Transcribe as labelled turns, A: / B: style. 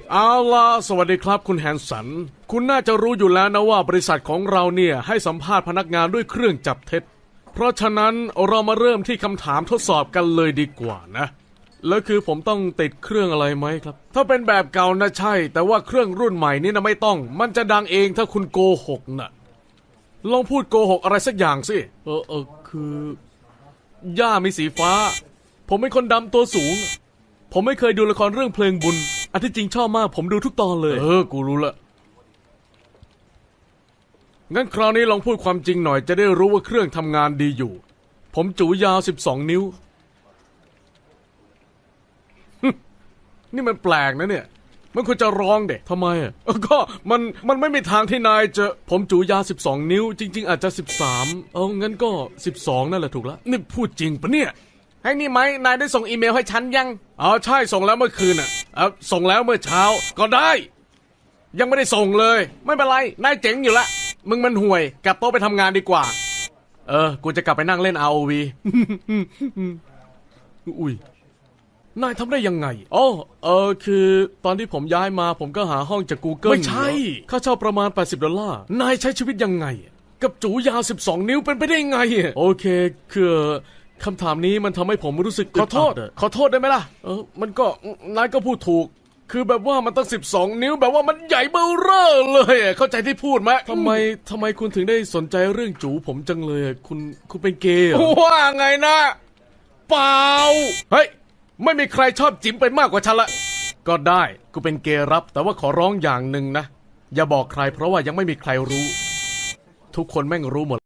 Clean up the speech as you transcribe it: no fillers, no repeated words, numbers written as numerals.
A: เอาล่ะสวัสดีครับคุณแฮนสันคุณน่าจะรู้อยู่แล้วนะว่าบริษัทของเราเนี่ยให้สัมภาษณ์พนักงานด้วยเครื่องจับเท็จเพราะฉะนั้นเรามาเริ่มที่คำถามทดสอบกันเลยดีกว่านะแล้วคือผมต้องติดเครื่องอะไรไหมครับถ้าเป็นแบบเก่านะใช่แต่ว่าเครื่องรุ่นใหม่นี่นะไม่ต้องมันจะดังเองถ้าคุณโกหกนะลองพูดโกหกอะไรสักอย่างสิคือย่ามีสีฟ้าผมเป็นคนดำตัวสูงผมไม่เคยดูละครเรื่องเพลงบุญอันที่จริงชอบมากผมดูทุกตอนเลยกูรู้ละงั้นคราวนี้ลองพูดความจริงหน่อยจะได้รู้ว่าเครื่องทำงานดีอยู่ผมจูยาว12 นิ้ว นี่มันแปลกนะเนี่ยมันควรจะร้องเด็กทำไมอ่ะก็มันไม่มีทางที่นายจะผมจูยาว12 นิ้วจริงๆอาจจะ13งั้นก็12นั่นแหละถูกแล้วนี่พูดจริงปะเนี่ยให้นี่ไหมนายได้ส่งอีเมลให้ฉันยังใช่ส่งแล้วเมื่อคืนส่งแล้วเมื่อเช้าก็ได้ยังไม่ได้ส่งเลยไม่เป็นไรนายเจ๋งอยู่ละมึงมันห่วยกลับโต๊ะไปทำงานดีกว่ากูจะกลับไปนั่งเล่น ROV อุ้ยนายทำได้ยังไงคือตอนที่ผมย้ายมาผมก็หาห้องจาก Google ไม่ใช่ค่าเช่าประมาณ$80นายใช้ชีวิตยังไงกับจูยาว12 นิ้วเป็นไปได้ไงโอเคคือคำถามนี้มันทำให้ผมรู้สึกขอโทษได้ไหมล่ะมันก็นายก็พูดถูกคือแบบว่ามันตั้ง12 นิ้วแบบว่ามันใหญ่เบ้อเร่อเลยเข้าใจที่พูดไหมทำไมคุณถึงได้สนใจเรื่องจูผมจังเลยคุณเป็นเกย์ว่าไงนะเปล่าเฮ้ยไม่มีใครชอบจิ๋มเป็นมากกว่าฉันละก็ได้กูเป็นเกย์รับแต่ว่าขอร้องอย่างหนึ่งนะอย่าบอกใครเพราะว่ายังไม่มีใครรู้ทุกคนแม่งรู้หมด